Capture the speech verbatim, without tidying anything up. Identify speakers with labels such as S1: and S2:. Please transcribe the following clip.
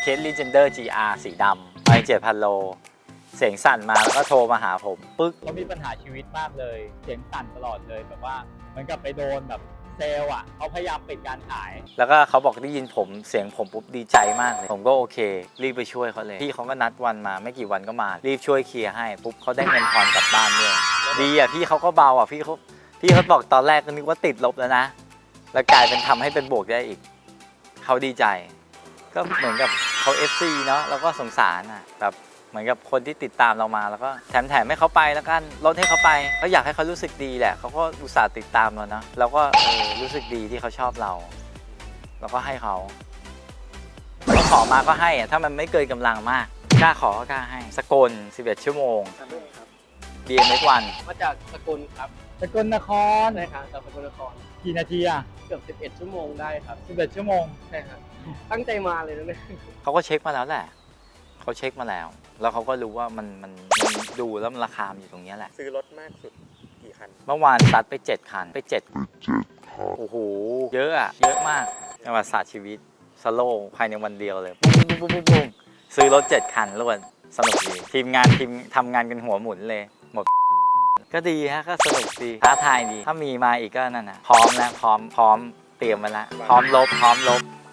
S1: เคส Legender จี อาร์ สีดำไม่เจ็ดพันโลเสียงสั่นมาแล้วก็โทรมาหาผมปึ๊กเขามีปัญหาชีวิตมากเลยเสียงสั่นตลอดเลยแบบว่าเหมือนกับไปโดนแบบเซลล์อ่ะเขาพยายามปิดการขายแล้วก็เขาบอกได้ยินผมเสียงผมปุ๊บดีใจมากเลยผมก็โอเครีบไปช่วยเขาเลยพี่เขาก็นัดวันมาไม่กี่วันก็มารีบช่วยเคลียร์ให้ปุ๊บเขาได้เงินทอนกลับบ้านด้วยดีอ่ะพี่เขาก็เบาอ่ะพี่เขาพี่เขาบอกตอนแรกก็นึกว่าติดลบแล้วนะแล้วกลายเป็นทำให้เป็นบวกได้อีกเขาดีใจก็เหมือนกับเขา เอฟ ซี เนาะแล้วก็สงสารอ่ะแบบเหมือนกับคนที่ติดตามเรามาแล้วก็แถมแถมให้เขาไปแล้วกันลดให้เขาไปเขาอยากให้เขารู้สึกดีแหละเขาก็อุตส่าห์ติดตามเราเนาะเราก็เออรู้สึกดีที่เขาชอบเราเราก็ให้เขาเขาขอมาก็ให้อ่ะถ้ามันไม่เกินกำลังมากกล้าขอก็กล้าให้สกลสิบเอ็ดชั่วโมง บี เอ็ม เอ็กซ์ วัน
S2: มาจากสกลครับ
S1: สกลนคร
S2: ใช่ครับจากสกลนคร
S1: กี่นาทีอ่ะ
S2: เกือบสิบเอ็ดชั่วโมงได้ครับ
S1: สิบเอ็ดชั่วโมง
S2: ใช่ครับตั้งใจมาเลยนะเนี่ย
S1: เขาก็เช็คมาแล้วแหละเขาเช็คมาแล้วแล้วเขาก็รู้ว่ามันมันมันดูแล้วมันราคาอยู่ตรงนี้แหละ
S3: ซื้อรถมากสุดกี่คัน
S1: เมื่อวานซัดไปเจ็ดคันไปเจ็ดโอ้โหเยอะอะเยอะมากในประวัติศาสตร์ชีวิตสโลว์ภายในวันเดียวเลยปุ้งปุ้งปุ้งปุ้งซื้อรถเจ็ดคันรวดสนุกดีทีมงานทีมทำงานกันหัวหมุนเลยหมดก็ดีฮะก็สนุกดีท้าทายดีถ้ามีมาอีกก็นั่นนะพร้อมแล้วพร้อมพร้อมเตรียมไว้แล้วพร้อมลบพร้อมลบ